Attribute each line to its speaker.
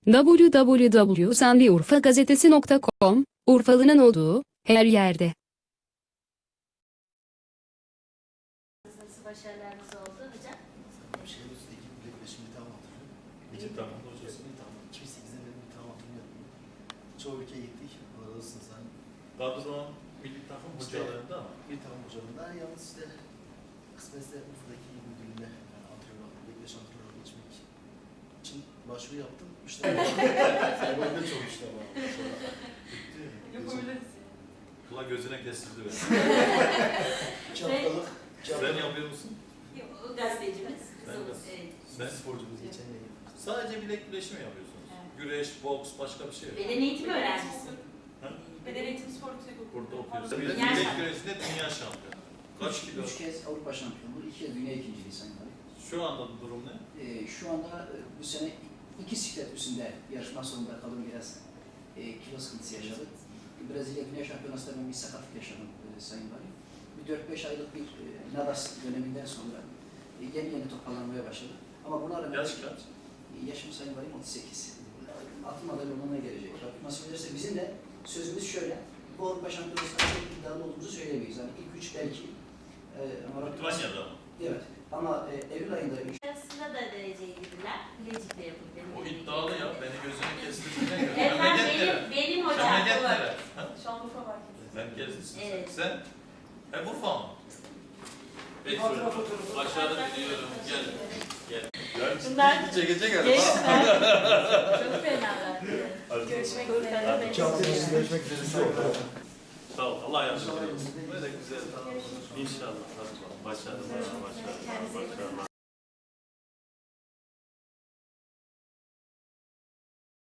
Speaker 1: www.sendiurfagazetesi.com, Urfalı'nın olduğu her yerde.
Speaker 2: Nasıl başarılarınız oldu hocam?
Speaker 3: Şeyimiz ekip bilekleşimi bir tamam hatırlıyorum.
Speaker 4: Bitti tamam hocası.
Speaker 3: Bir tamam. 2008'de benim bir tamam hatırlıyorum. Çoğu ülkeye gittik. Orada olsunuz hani.
Speaker 4: Kadro milli takım hocalarında ama.
Speaker 3: Bir tamam hocamda yalnız işte kısmetse Urfa'daki müdürlüğüne yani antrenör aldım. Bilekleş antrenör geçmek için başvuru yaptım. İşte böyle çok işte ama. Bitti.
Speaker 2: Yapabiliriz.
Speaker 4: Kula gözüne kestirdi beni.
Speaker 3: 2 haftalık.
Speaker 4: Sen yapıyor musun?
Speaker 2: Yok, o gazetecimiz.
Speaker 4: Ben
Speaker 2: Kızımız.
Speaker 4: gaz-
Speaker 2: Evet.
Speaker 4: Sen sporcumuz.
Speaker 3: Geçen yıl.
Speaker 4: Sadece bilek güreşi mi yapıyorsunuz?
Speaker 2: Evet.
Speaker 4: Güreş, boks, başka bir şey yok.
Speaker 2: Beden eğitimi öğrencisi.
Speaker 4: Ha?
Speaker 5: Beden eğitimi spor yüksek okulu.
Speaker 4: Burada okuyorsun.
Speaker 2: Dünya
Speaker 4: Bilek
Speaker 2: şampiyonu.
Speaker 4: güreşinde dünya şampiyonu. Kaç kilo?
Speaker 6: 3 kez Avrupa şampiyonluğu, 2 kez dünya ikinciliği Sayın Valim.
Speaker 4: Şu anda durum ne?
Speaker 6: Şu anda bu sene 2 siklet üstünde yarışma sonunda kalın biraz kilo sıkıntısı yaşadık. Brezilya Dünya Şampiyonası'nda ben bir sakatlık yaşadım Sayın Valim. Bir 4-5 aylık bir Nadas döneminden sonra yeni toparlanmaya başladı. Ama buna rağmen
Speaker 4: Yaş kaç?
Speaker 6: Yaşım Sayın Valim 38. Altın madalya olmana gelecek. Rabbim nasip ederse bizim de sözümüz şöyle. Bu Avrupa Şampiyonası'nda çok iddialı olduğumuzu söyleyemeyiz. Yani ilk 3 belki. Ama Rabbim nasip-
Speaker 4: Litvanya'da mı?
Speaker 6: Evet. Ama Eylül ayında
Speaker 2: Arasında da dereceye girdiler. Bilecik'te yapıldı. Benim
Speaker 4: O
Speaker 2: bildiğim
Speaker 4: iddialı ya.
Speaker 2: kadarıyla.
Speaker 4: Beni gözüne kestirdiğine göre.
Speaker 2: Efendim
Speaker 4: Memleket nere?
Speaker 2: benim hocam.
Speaker 4: Memleket nere? Ha?
Speaker 5: Şanlıurfa Merkezi.
Speaker 4: Merkezlisin
Speaker 2: Evet.
Speaker 4: sen. Sen Urfa mı? Peki
Speaker 6: Fotoğraf,
Speaker 4: çocuklar.
Speaker 6: fotoğraf.
Speaker 4: Başarı diliyorum. Gel. Gel.
Speaker 5: Bunlar
Speaker 4: Çekecek
Speaker 5: gençler. Çok fenalar. Görüşmek üzere.
Speaker 3: Görüşmek üzere.
Speaker 4: Sağ ol. Allah yardımcın olsun. Böyle güzel. İnşallah. Başarılar. Başarılar. Başarılar.